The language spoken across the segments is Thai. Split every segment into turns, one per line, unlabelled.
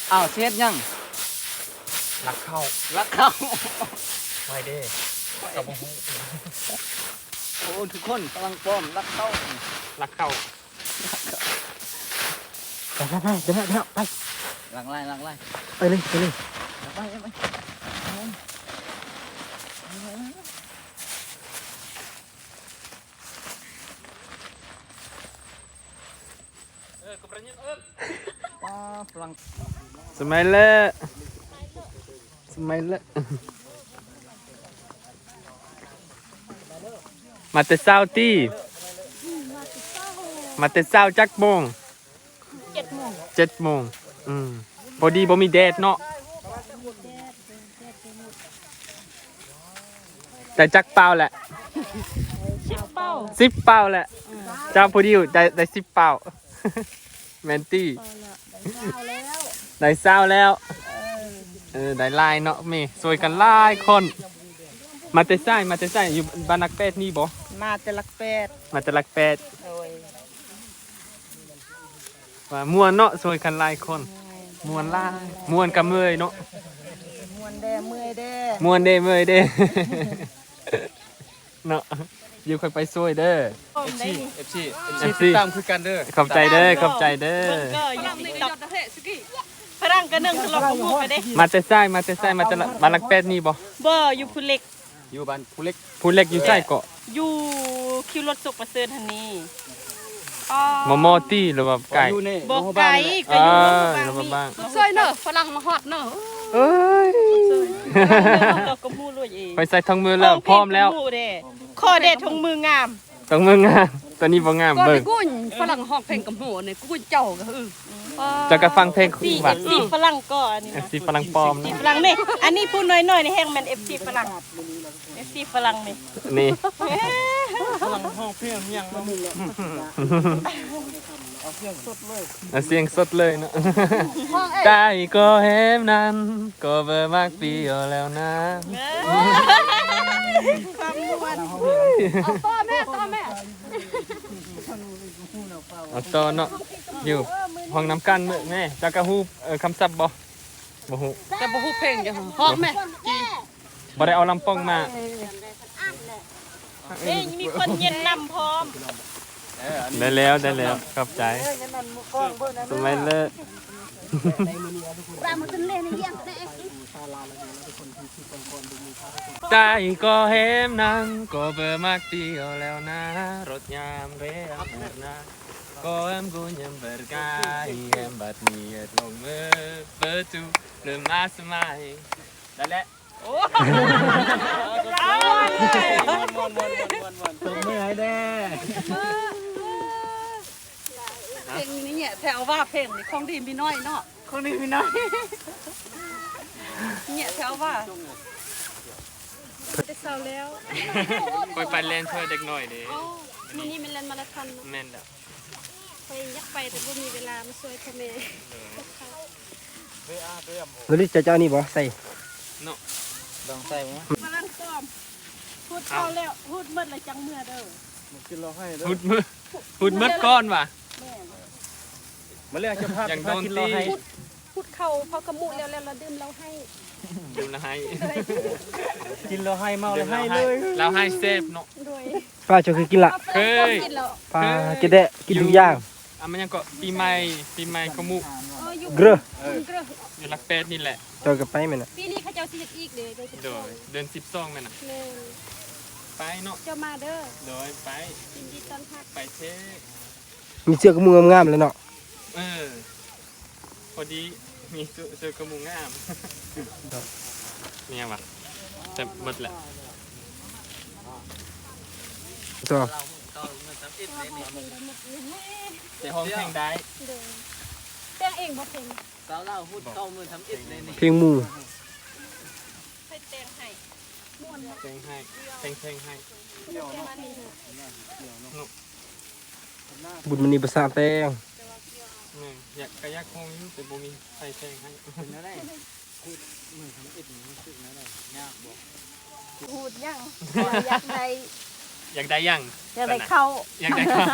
อ้าวเสียดยัง
รักเข้าไม่เด้กับบุ้ง
โอ้ทุกคนกำลังป้อมรักเข้า
ไปเดี๋ยวไป
หลังไล่
ไปเลย
ไปฝรั่ง
สมัยละมาแต่เช้าตีมาแต่เช้าจักโมง7 โมงพอดีบ่มีแดดเนาะแต่จักเปล่าแหละ10 เปล่าแหละเจ้าพอดีได้10 เปล่าแมนตี้ได้เศร้าแล้วได้ลายเนาะเมย์สวยกันลายคนมาแต่ไส้อยู่บ้านนักเป็ดนี่บ่
มาแต่ลักเป็ด
ว่าม่วนเนาะสวยกันลายคนม่วนลายม่วนกับเมยเนาะ
ม่วนเด้เมื่อยเด้
ม่วนเด้เมยเด้เนาะอยู่ค่อยไปซวยเด้อ
FC ตามคือกันเด้อ
ขอบใจเด้อ
ก็ยังนี่ดอกพรังกระนึงทะเลาะกับหมู่ไปเด้
มาแต่ไส้มาแต่บ้านนักเป็ดนี่บ่
อยู่ผู้เล็ก
อยู่บ้านผู้เล็ก
อยู่ไส้เกาะ
อยู่คิวรถสุกประเสริฐหันนี่
มอตี้หรือว่าไก่
บ่ไก่ก็อยู่
บ้าง
ซอยเนอะฝรั่งมาฮอดเนอะ
เอ้ย
เราก็มู้รวยเอง
ไปใส่ทองมือแล้วพร้อมแล้ว
ข้อเด็ดทองมืองาม
ตอนนี้บ่งามเบิ่ง
กุ้นฝรั่งห้องเพลงกับหัวเนี่ยกุ้นเจ้าก็
จะกระฟังเพลง
บัดFCฝรั่งก็อันนี้
FC ฝรั่งปลอมนะ
FC ฝรั่งนี่อันนี้พูดน้อยๆนี่แฮงแม่น FC ฝรั่งนี่
ฝรั่งห้องเพลงยังมามึงเอาเสียงสด
เลยเนาะใจก็เห็นนั้นก็เบอร์มากปีแล้วนะ
ความนวล
เอาต่อแม่
เอาต่อเนาะอยู่ห้องน้ำกันแม่จักรฮูคำศัพท์บ่ฮู้
แต่บ่ฮู้เพลงจ้ะฮอกแม่
บ่ได้เอาลำป้องมา
มีคนเย็นนำพร้อม
ได้แล้วขอบใจสมัยเลิศใจก็เห็นนั้นก็เบอร์มากเดียวแล้วนะรถยามเรียมนะก็กูยังเบิร์กายบัดนี้ลงมือเปิดจูเริ่มมาสมัยได้แล้ว
โอ้ตัวเมื่อยแด้
เพลงนี้เนี่ยแถวว่าเพลงนี่ของดีมีน้อยเนาะเนี่ยแถวว่าจะเศร้าแล้ว
ไปเล่นเพื่อเด็กหน่อยดิ
นี่มันเล่นมาราธอน
แม่นแล้ว
ไปยักไปแต่บ่มีเวลามาช่วยพ่อแม่
แล้วนี่จะเจ้านี่บ่ใส่
เนาะ
ลองใส่มั้ย
ฝรั่งปลอมพูดเข้าแล้วพูดหมดเลยจังเมื่อเด้อ
กินเราให้เด้อ
พูดหมดก้อนว่ะ
มาเรียกเจ้าภาพ
อย่างโดนตี
พูดเข้าพอกระมุแล้วเราดื่มเราให้
กินเราให้เมาเราให้เลย
เราให้เซฟเนาะ
ป้าจะเคยกินละ
เคย
ป้ากินได้กินทุกอย่าง
มันยังก็ปีใหม่ขมุ
เกลือ
อยู่ลักเป็ดนี่แหละ
เจอกับไปไหมนะ
ปีนี้เขาเจ้าสิอีกเด้อ
เดือน12แม่น่ะไปเนาะ
เจ้ามาเด้อ
โดยไป
ยินดีต้อนรับ
ไปเช็ค
มีเสื้อกระมุงงามเลยเนาะ
พอดีมีเสื้อกระมุงงามเนี่ยว่ะแต่หมดแหละ
ตัว
แต่ห้องเพลงได้
เพลงเองบ่เพลง
สาวเล่าพูดเข้ามือทำอิดเลยนี่
เพลงหมู่
ให้เต้นให้ม่วน
เพลงให้
บุญมณีภาษาแตง
อยากกระยักคงอยู่แต่บ่มีใส่เพลงให้
เป็นอะไรพูดมือทำอิดมันรู้สึกอะไรยากบ่
พูดยังอยากได้
ยัง
อยากได้เข้า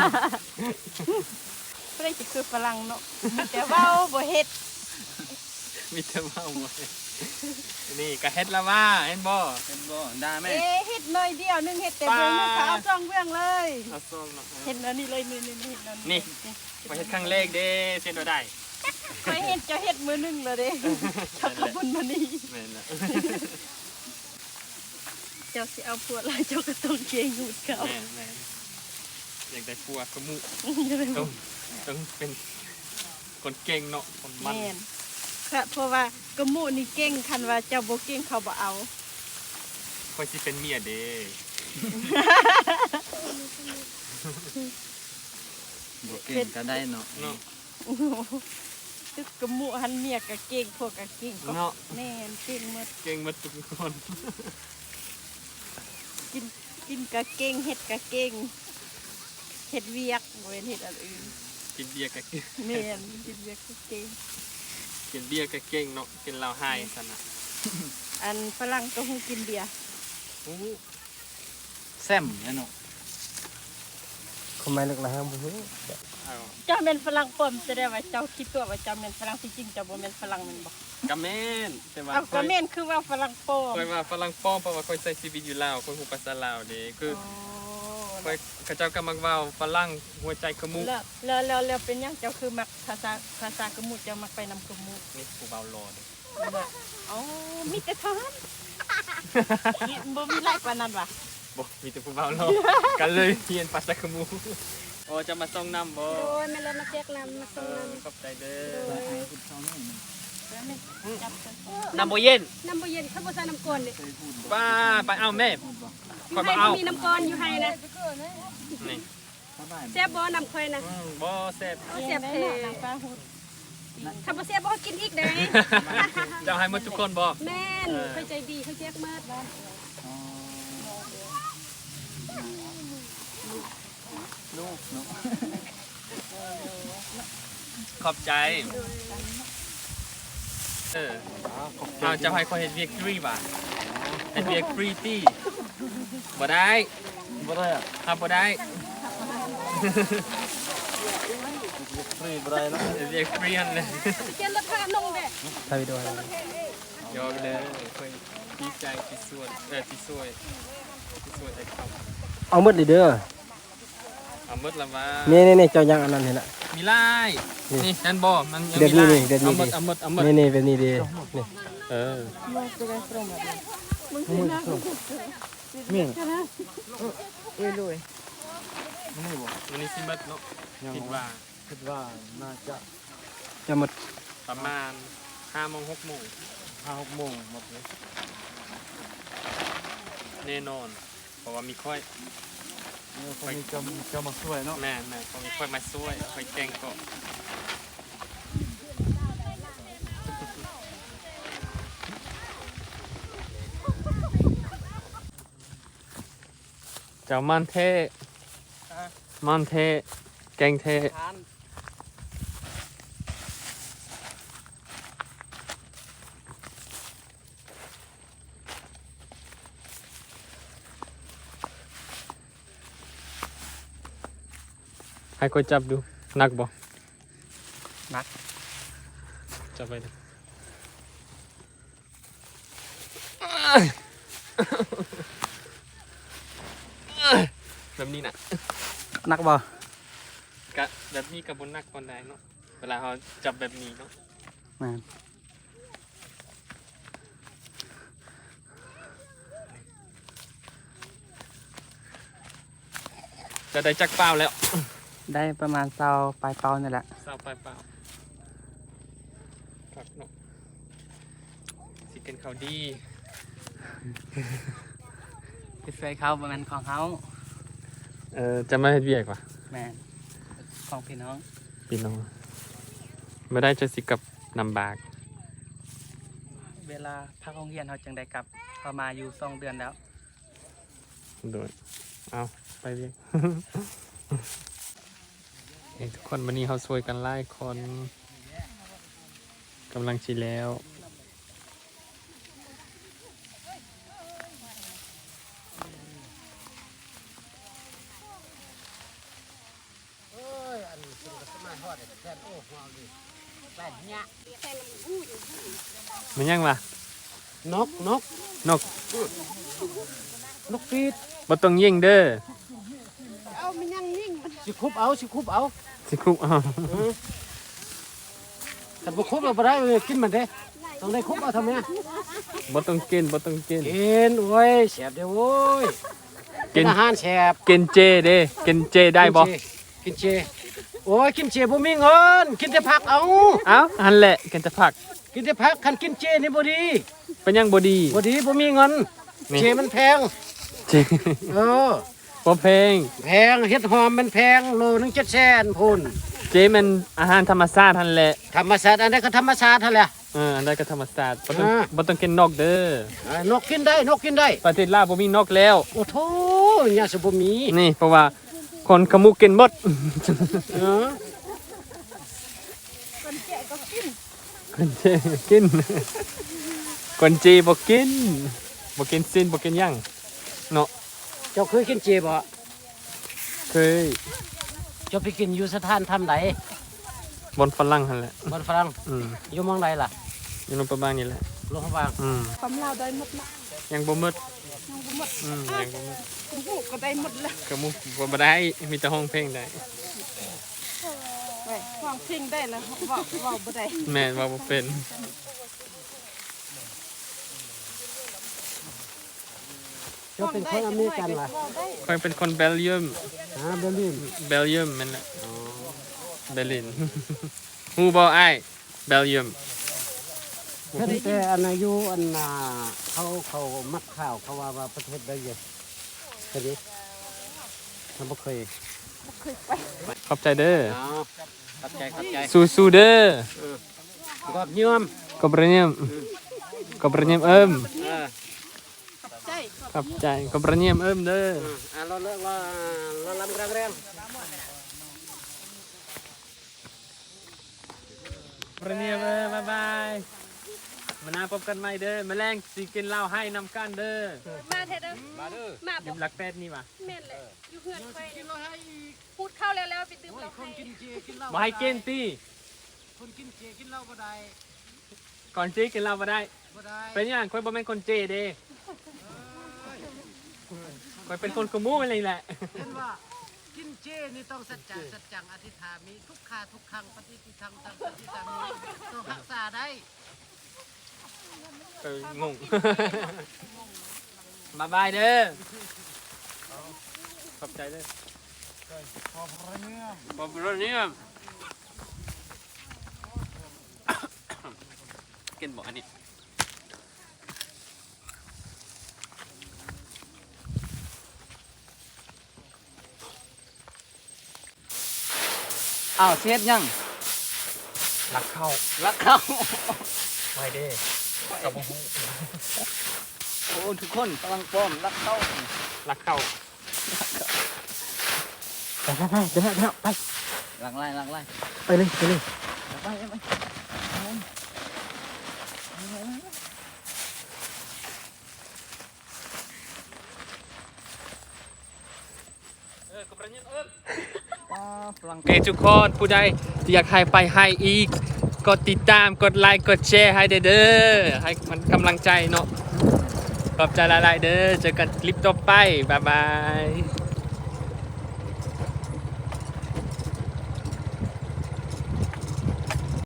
เพื่อจะคือฝรั่งเนาะแต่ว่าบ่เฮ็ด
มีแต่เมาหมดนี่ก็เฮ็ดละว่าเห็นบ่ได้ไหม
เฮ็ดหน่อยเดียวนึงเฮ็ดแต่เบิ่งนึงเขาเอาซ่องเบื้องเลย
เอาซองเนาะ
เฮ็ดอันนี้เลยนี่เฮ็ดอัน
นี่ไปเฮ็ดครั้งแรกเด้เส้นบ่ได้
ไปเฮ็ดจะเฮ็ดมื้อนึงแล้วเด้ชักกระบุญมานี่
แม่นละ
เจ้าสิเอาพวกลายเจ้าก็ต้องเกงหูดเขา
แม่นอยากได้ปัวกระมุต้องเป็นคนเก่งเนาะคนมัน
แม่นค่ะเพราะว่ากระหมูนี่เก่งคันว่าเจ้าบ่เก่งเขาบ่เอา
ค่อยสิเป็นเมียเด้
บ่เก่งก็ได้เนาะ
เนาะ
ตึกกระหมูหันเมียก็เก่งพวกก็เก่งก็
เนาะ
แม่นเก่งหมด
เก่งหมดทุกคน
กินก็เก่งเฮ็ดก็เก่งเฮ็ดเวียกบ่แม่นเฮ็ดอันอื่น
กินเบียร์ก็เก่ง
แม่นกินเวียกก็เก่ง
กินเบียร์ก็เก่งเนาะกินเหล้าไห้ซั่นน่ะ
อันฝรั่งก็ฮู้กินเบียร์
โอ้
แซมเนาะ
คอมเมนต์ลึกนะครับผม
เอา
เจ้าแม่นฝรั่งปลอมแสดงว่าเจ้าคิดตัวว่าเจ้าแม่นฝรั่งที่จริงเจ้าบ่แม่นฝรั่งแม่นบ่
กะแม่นแต่ว่า
เอาก็แม่นคือว่าฝรั่งปลอม
ค่อยว่าฝรั่งป้อมเพราะว่าค่อยใช้ชีวิตอยู่ลาวค่อยฮู้ภาษาลาวเด้คือค่อยเขาเจ้าก็มักเว้าฝรั่งหัวใจขมุก
แล้วเป็นหยังเจ้าคือมักภาษากระมุดเจ้ามักไปนำกระมุด
นี่ผู้เบารอเด้
อ๋อมีแต่ทหารบ่มีหลายกว่านั้นว่ะ
บ่มีแต่ผู้เบารอกันเลยเรียนภาษาขมุกโอ้จะมาส่งน้ำบ่
โอ้ยแม่เลยมาแจกน้ำมาส่งน้
ขอบใจเด้อ
จับกัน
น้ำบ่เย็น
ำน้ำบ่เย็นถ้าบ่ใส่น้ำก้อนนี่
ป้าไปเอาแม่
อ
ค่อย
ให้
บ่เอา
มีน้ำก้อนอยู่ให้นะ
นี่
แซ่บบ่น้ำค่อยนะ
บ่แซ่บ
บ่แซ่บเท่
นางฟ้าฮูด
ถ้าบ่แซ่บบ่กินอีกเด้
เจ้าให้หมดทุกคนบ่
แม่นค่อยใจดีค่อยแจกเมิด
ลูกเนาะ
ขอบใจเอาเจ้าให้ค่อยเฮ็ดเวียกฟรีบ่เฮ็ดเวียกฟรีตี้บ่ได้
บ่ได้อ่ะ
ครับบ่ได้
ฟรีบ่ได้เนาะ
เฮ็ดเวียกฟรีหั่นเลย
เขียนราคาลงเด้
ถ่ายวิดีโอให้
ยอมเลยค่อยดีใจที่สวยที่สวยได้ครับ
เอาหมดเลยเด้อ
เอาหมดละว่า
นี่เจ้ายังอันนั้นเห็นละ
มีลายนี่นั่นบ่มันยัง
เดี๋ยว
มี
นี้
ลาย
เดี๋ยวนี้
เอาหมดเอาหมด
นี่แบบนี้ดีนี่
เออ
เมี่ยง
นี่เลย
นี่บ่
วันนี้สิหมดเนาะคิดว่า
คิดว่าน่าจะ
จะหมด
ประมาณ5 โมง 6 โมง
5-6 โมงหมดเลย
แน่นอน เพราะว่ามีค่อย
คนนี้จะมาช่วยเนาะ
แม่เพราะมีค่อยมาช่วยค่อยแกล้งก็เจ้ามันเทมันเทแกงเทให้ค่อยจับดูหนักบ่หนักจับไปดิแบบนี้น่ะ
นักบ่
กะแบบนี้กับบนนักคนใดเนาะเวลาเขาจับแบบนี้เนาะ
แม่น
จะได้จักเปล่าแล้ว
ได้ประมาณเซาปลายเปานี่แหละ
เศร้าไปเปล่าครับเนาะสิกินข้าวดี
ไปช่วยเขาประมาณของเขา
จะมาเฮ็ดเวียกว่ะ
แม่นของพี่น้อง
พี่น้องไม่ได้จะสิกับนำบาก
เวลาพักโรงเรียนเขาจึงได้กลับเขามาอยู่2 เดือนแล้ว
โดยเอาไปเวียก ทุกคนวันนี้เขาช่วยกันไล่คนกำลังชิแล้ว
เอ้ยอันนี้ก็สมาฮอดแทนโอ้หัวดิแล่นยะ
มันยังวะ
นก
นก
นกฟีด
บ่ต้องยิงเด้อ
เอามันยังยิ่งมัน
สิคุบเอา
สิครุบเอา
แต่บุคุบเราไปได้เลยกินมันเด้ต้องได้คุบเอาทำไม
บ่ต้องกิน
กินโอ้ยแสบเด้อโว้ยกินอาหารแสบ
กินเจเด้กินเจได้บ่
กินเจโอ้ยกินเจบ่มีเงินกินแต่ผักเอา
เอ้าหันแหละกินแต่ผัก
กินแต่ผักคันกินเจนี่บ่ดี
เป็นยังบ่ดี
บ่ดีบ่มีเงิน
นี่
เจมันแพง
เจ
เออ
บ่แพง
แพงเฮ็ดหอมมันแพงโลนึง700,000พุ่น
เจมันอาหารธรรมชาติหันแหละ
ธรรมชาติอันใดก็ธรรมชาติเท่าแหละ
อันใดก็ธรรมชาติบ่ต้อง
อ่า
บ่ต้องกินนกเด้อน
กกินได้นกกินได้
ประเทศลาวบ่มีนกแล้ว
โอ้โธ่เนี่ยสิบ่มี
นี่เพราะว่าคนขมุกกินหมด
เออ
คนเจกิน คนจีบ่กินบ่กินสิ้นบ่กินหยังเนาะ
เจ้าเคยกินเจบ่
เคย
เจ้าไปกินอยู่สถานทำใด
บนฝรั่งหั่นแหละ
บนฝรั่ง
อืม
อยู่เมืองใดล่ะ
อยู่นประมาณนี้แหละ
โรงพยาบาล
ความเราได้หมดละ
ยังบ่หมด
ยังบ่หมด
ยังบ่หมด
คุณผู้ก็ได้หมดละ
ก็มุบ่ได้มีแต่ห้องเพลงได้
ไปฟังเพลงได้แล้วเว้าบ่ได้
แม่นว่าบ่เป็น
เจ้าเป็นคนอเมริกันล่ะ
ค่อยเป็นคนเบลเยียม
เบอร์ลิน
เบลเยียมแม่นแหละเบลิน ฮู้บ่อ้ายเบลเยียม
เพิ่นแต่อันอายุอันน่ะเขามักข่าวเขาว่าประเทศใดเยอะเห็นดิมันบ่เคย
ขอบใจเด้อ
เข้าใจ
สู้ๆเด้อ
กอบยืม
Kobraniam. Kobraniam ôm.
ใช่
Khắp chạy. Kobraniam ôm đó.
เราลำแรง
Kobraniam ôm. Bye bye. มานาพบกันใหม่เด้อแมลงสิกินเหล้าให้นำกันเด้อ
มาเถอะเด้อมามา
ยืมหลักแปดนี่ว่ะ
แม่นเลยอยู่เฮือนไปพูดเข้าแล้วไปตื่มเรา
คน
ให้
กินเจกินเหล้า
บ่ให้กินตี
คนกินเจกินเหล้าบ่ได้
ก่อนจีกินเหล้าบ่ได้
บ่ได้
เป็นอย่างค่อยบ่แม่นคนเจเด้ค่อยเป็นคนขโมูอะไรแหละ
เห็นว่ากินเจนี่ต้องสัจจังอธิษฐานมีทุกขาทุกครั้งปฏิทิทังตังปฏิสามีต้องรักษาได้
งง บายบายเด้อขอบใจเด้อขอบคุณเนี่ยกินบ่อันนี้
อ้าวเช็ดยัง
รักเข้า
รักเข้า
ไม่เด้กับบ่ฮู้
โอ้ทุกคนกำลังป้อมรักเข้า
รักเข้าไปเดี๋ยวไป
หลังไล่หลังไล่
ไปเลยไปเลย
ไปไป
โอเคทุกคนผู้ใดที่อยากให้ไปให้อีกกดติดตามกดไลค์กดแชร์ให้เด้อให้มันกำลังใจเนาะขอบใจหลายๆเด้อเจอกันคลิปต่อไปบ๊ายบาย